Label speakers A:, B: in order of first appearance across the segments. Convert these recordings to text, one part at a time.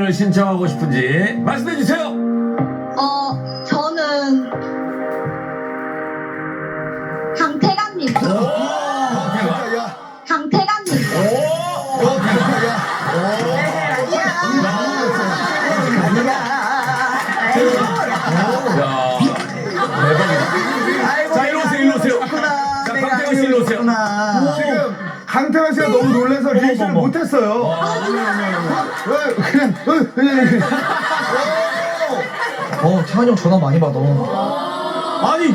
A: 노래를 신청하고 싶은지 말씀해 주세요.
B: 저는 강태관님. 강태관님.
A: 자, 일로 오세요, 일로 오세요. 자, 강태관 씨 일로 오세요.
C: 지금 강태환 씨가 너무 놀라서 리액션을 못했어요.
D: 태환이 형 전화 많이 받아.
A: 아니,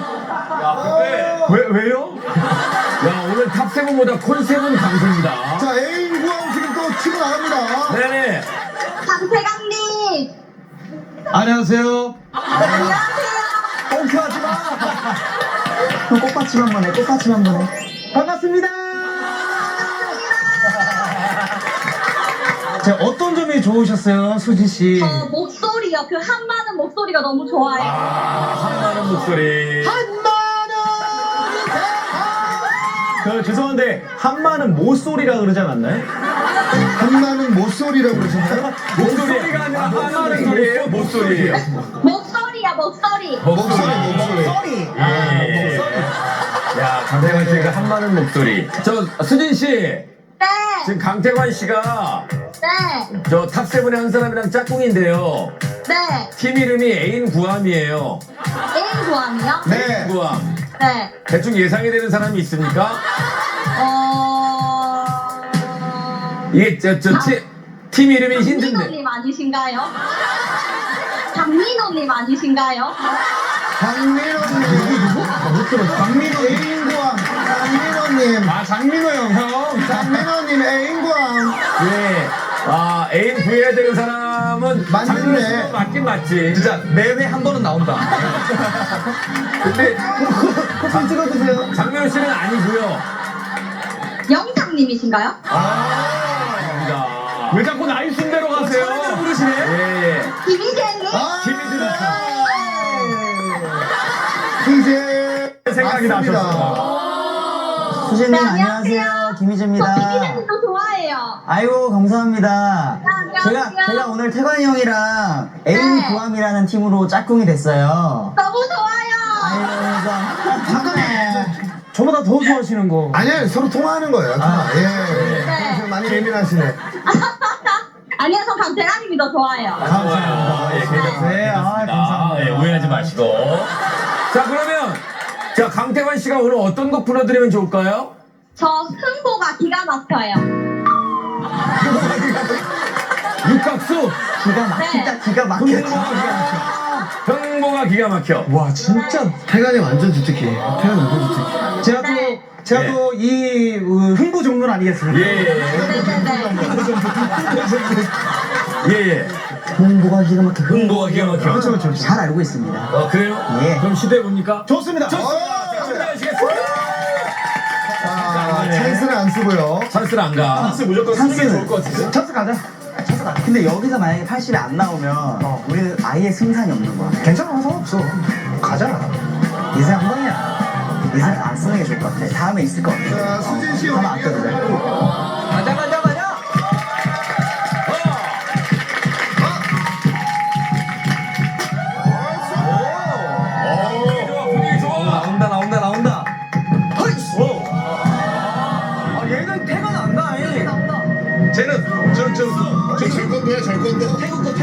A: 왜요? 야, 오늘 탑7보다 콘셉은 강수입니다.
C: 자, 애인 구함 지금 또 치고 나갑니다.
A: 네네.
B: 강태관님.
D: 안녕하세요.
B: 안녕하세요.
D: 꽁트하지 마. 형 꽃받침 한번 해. 꽃받침 한번 해. 반갑습니다. 자, 어떤 점이 좋으셨어요, 수지 씨?
B: 목소리요. 그 한마는 목소리가 너무 좋아요.
A: 한마는 목소리.
D: 죄송한데 한마는 모소리라 그러지 않았나요?
C: 한나는 모쏠이라고 그러셨나요?
A: 목소리가 아니라 한마는 소리예요, 목소리예요.
B: 목소리야, 목소리.
C: 목소리.
A: 예. 야, 강태관 씨가 한마는 목소리. 저 수진 씨,
B: 네.
A: 지금 강태관 씨가
B: 네.
A: 저 탑7의 한 사람이랑 짝꿍인데요.
B: 네.
A: 팀 이름이 애인 구함이에요.
B: 애인 구함이요?
C: 네.
A: 구함.
B: 네.
A: 대충 예상이 되는 사람이 있습니까? 이게 팀 이름이 힌트인데.
B: 장민호님 아니신가요? 장민호님 아니신가요?
C: 장민호 애인 구함. 장민호님.
A: 장민호 형.
C: 장민호님 애인 구함.
A: 예. 애인 구해야 되는 사람은
C: 맞네.
A: 장민호 씨는 맞긴 맞지.
D: 진짜 매회 한 번은 나온다.
A: 근데
C: 좀 찍어주세요.
A: 장민호 씨는 아니고요.
B: 영탁님이신가요?
A: 아닙니다. 왜 자꾸 나이 순대로 가세요?
D: 처음으로 부르시네.
A: 예.
B: 김희재님?
A: 김희준
C: 이제
A: 생각이
C: 맞습니다.
A: 나셨어.
E: 수진님
B: 네,
E: 안녕하세요.
B: 저
E: 김희재입니다.
B: 김희재님도 좋아해요.
E: 아이고 감사합니다.
B: 안녕하세요.
E: 제가 오늘 태관이 형이랑 애인
B: 네.
E: 구함이라는 팀으로 짝꿍이 됐어요.
B: 너무 좋아요.
E: 아이고
C: 잠깐만.
D: 저보다 더 좋아하시는 거.
C: 아니야, 서로 통화하는 거예요. 예.
B: 네.
C: 지금 많이 예민하시네.
B: 아니요, 전 강태관님이 더 좋아해요.
A: 좋아요. 예, 괜찮습니다.
E: 네, 감사합니다.
A: 예, 오해하지 마시고. 자, 그러면 자, 강태관 씨가 오늘 어떤 곡 불러드리면 좋을까요?
B: 저 흥보가 기가 막혀요.
A: 육각수.
E: 기가 막히다.
B: 네.
E: 기가 막혀.
A: 흥보가 기가 막혀.
D: 와 진짜.
C: 태관이 완전 주특기. 태관 완전 주특기.
D: 제가
A: 네.
D: 또 이 흥부 종론 아니겠습니까?
A: 예. 예, 예.
E: 홍보가 기가 막혀.
A: 흥보가 기가 막혀.
D: 그렇죠.
E: 잘 알고 있습니다.
A: 그래요?
E: 예.
A: 그럼 시도해 봅니까?
D: 좋습니다.
A: 좋습니다. 자, 준비하시겠습니다.
C: 찬스는 안 쓰고요.
A: 찬스를 안 가.
D: 무조건
E: 찬스는
A: 것 같은데.
D: 찬스 가자.
E: 근데 여기서 만약에 80이 안 나오면 우리는 아예 승산이 없는 거야.
D: 괜찮아, 상관없어. 가잖아.
E: 인생 한 번이야. 인생 안 쓰는 게 좋을 것 같아. 다음에 있을 것 같아.
C: 자, 수진 씨
E: 한번 아껴두자.
A: 가자. 분위기 좋아.
D: 나온다. 얘는 태가 난다.
A: 쟤는
C: 절건도야, 절건도.
D: 태국도.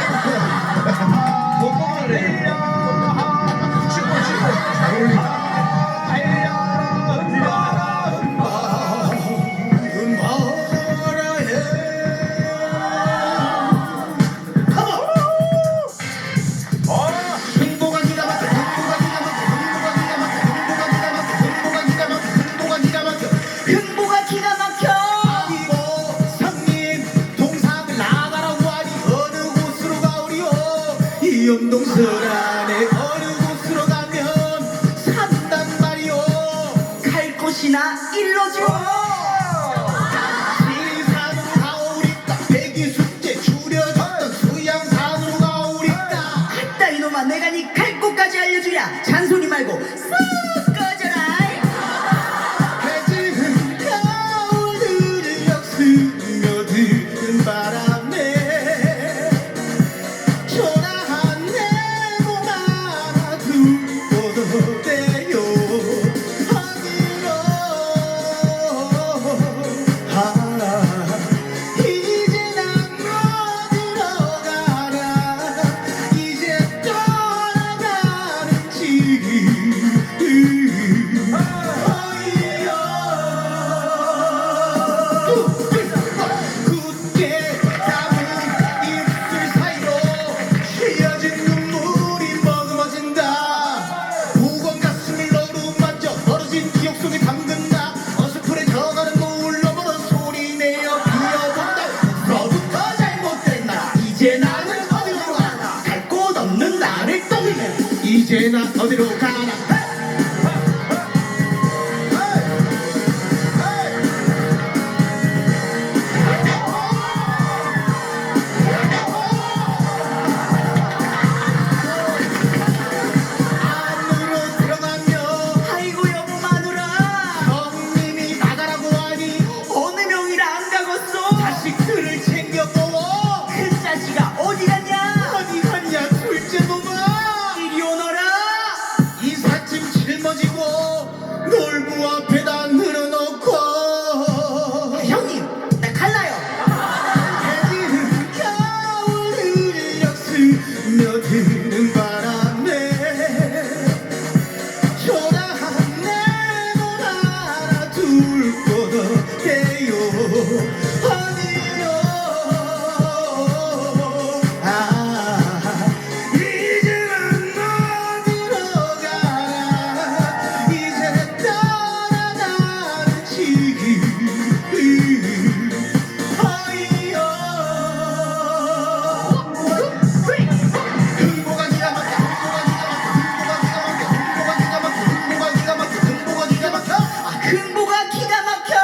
B: 흥보가 기가 막혀.
F: 성님 동상을 나가라고 하니 어느 곳으로 가오리요 어디로 가나 안으로 들어가며
E: 아이고 여보 마누라
F: 형님이 나가라고 하니
E: 어느 명이라 안 가겠어
F: 자식들을 챙겨보어
E: 그 자식아 어디 갔냐
F: 어디 갔냐 둘째 놈아
E: 이리 오너라
F: 이삿짐 짊어지고 놀부 앞에다 늘어놓고
E: 형님 나 갈라요
F: 해지는 겨울 흘려 스며드는 바람에 초라한 내 돈 하나 둘 곳 어때요 어디요 이제는 어디로 가나 이제 떠나가는 시기 흥보가 기가 막혀 흥보가 기가 막혀
E: 흥보가 기가 막혀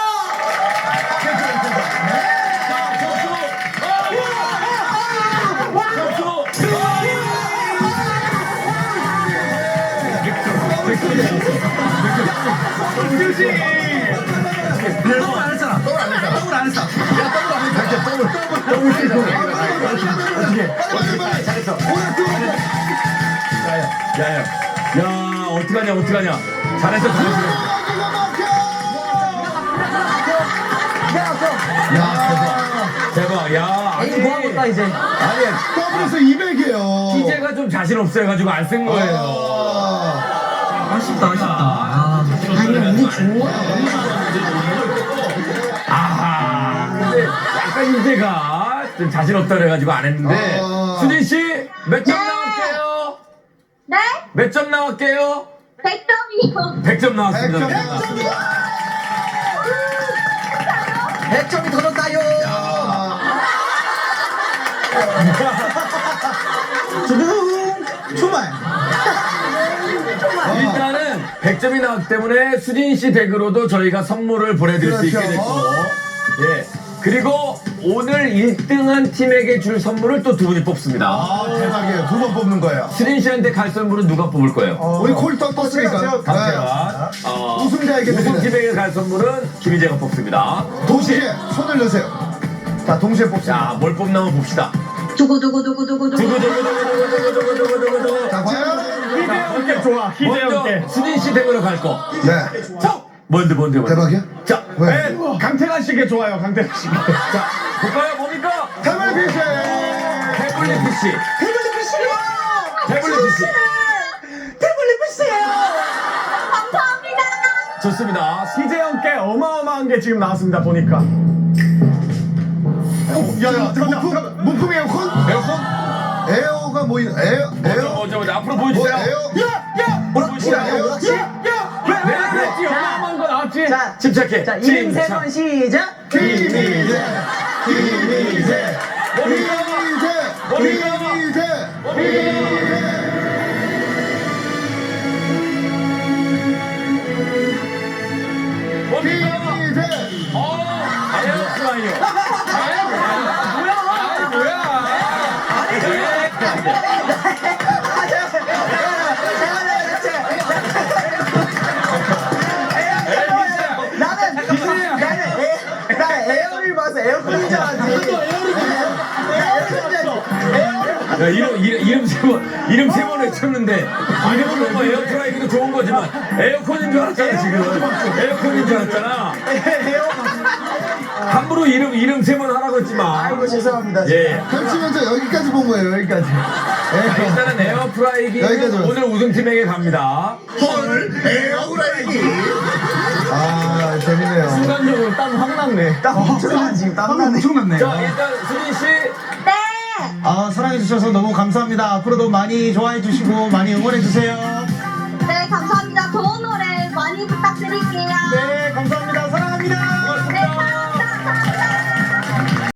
A: 야, 어떡하냐. 잘했어. 대박. 야, 아니.
D: 에이 모아볼까 이제
A: 아니,
C: 더블에서 200이에요.
A: TJ가 좀 자신 없어가지고 안 쓴 거예요.
D: 아쉽다 아니 우리 좋아
A: 아하. 근데 약간 이제가 좀 자신 없다 그래가지고 안 했는데. 수진 씨, 몇 점
B: 네.
A: 나왔게요?
B: 네?
A: 몇 점 나왔게요?
B: 100점이요.
A: 100점 나왔습니다.
D: 100점이 더 넣었다요
C: 정말.
A: 일단은 100점이 나왔기 때문에 수진 씨 댁으로도 저희가 선물을 보내드릴 수 있게
C: 그렇죠.
A: 됐고, 예. 그리고 오늘 1등한 팀에게 줄 선물을 또 두 분이 뽑습니다.
C: 아, 대박이에요. 두 번 뽑는 거예요.
A: 수진 씨한테 갈 선물은 누가 뽑을 거예요?
C: 우리 콜 떴으니까.
A: 강태환.
C: 우승자에게 드리는.
A: 우승팀에게 갈 선물은 김희재가 뽑습니다.
C: 동시에 손을 넣으세요. 자, 동시에 뽑습니다.
A: 자, 뭘 뽑나 한번 봅시다.
B: 두구두구두구두구두구.
A: 두구두구두구두구두구두구두구.
C: 자, 과연?
A: 희재 좋아. 먼저 수진 씨 댁으로 갈 거.
C: 네.
A: 뭔데.
C: 대박이야?
A: 자,
C: 왜?
G: 강태관 씨게 좋아요, 강태관 씨게.
A: 자, 볼까요? 뭡니까?
C: 태블릿 PC.
A: 태블릿 PC. 태블릿 PC.
B: 감사합니다.
A: 좋습니다.
G: 희재형께 어마어마한 게 지금 나왔습니다, 보니까.
C: 야, 무풍 에어컨? 에어가 뭐, 에어?
A: 먼저 앞으로
C: 뭐,
A: 보여주세요.
C: 에어?
A: 보여주세요. 내가 그랬지. 어마어마한 거 나왔지. 침착해.
D: 자 이름 세 번 시작
C: 김희재.
A: 뭡니까? 에어프라이어.
E: 나는 에어를 봐서 에어컨인 줄 알았지
A: 야, 이름 세 번 외쳤는데, 이름은 뭐 에어프라이기도 좋은 거지만, 에어컨인 줄 알았잖아, 지금. 에어컨인 줄 알았잖아. 함부로 이름 세 번 하라고 했지만.
E: 아이고 죄송합니다
A: 예.
C: 펼치면서 여기까지 본 거예요, 여기까지.
A: 자, 일단은 에어프라이기는
C: 여기까지
A: 오늘 우승팀에게 갑니다.
F: 헐 에어프라이기
C: 아, 재밌네요.
G: 순간적으로 땀 확 났네.
E: 땀 엄청 나 지금 땀나네
C: 엄청났네.
A: 자, 일단 수진씨.
B: 네.
G: 사랑해주셔서 너무 감사합니다. 앞으로도 많이 좋아해주시고, 많이 응원해주세요.
B: 네, 감사합니다. 좋은 노래 많이 부탁드릴게요.
G: 네, 감사합니다. 사랑합니다.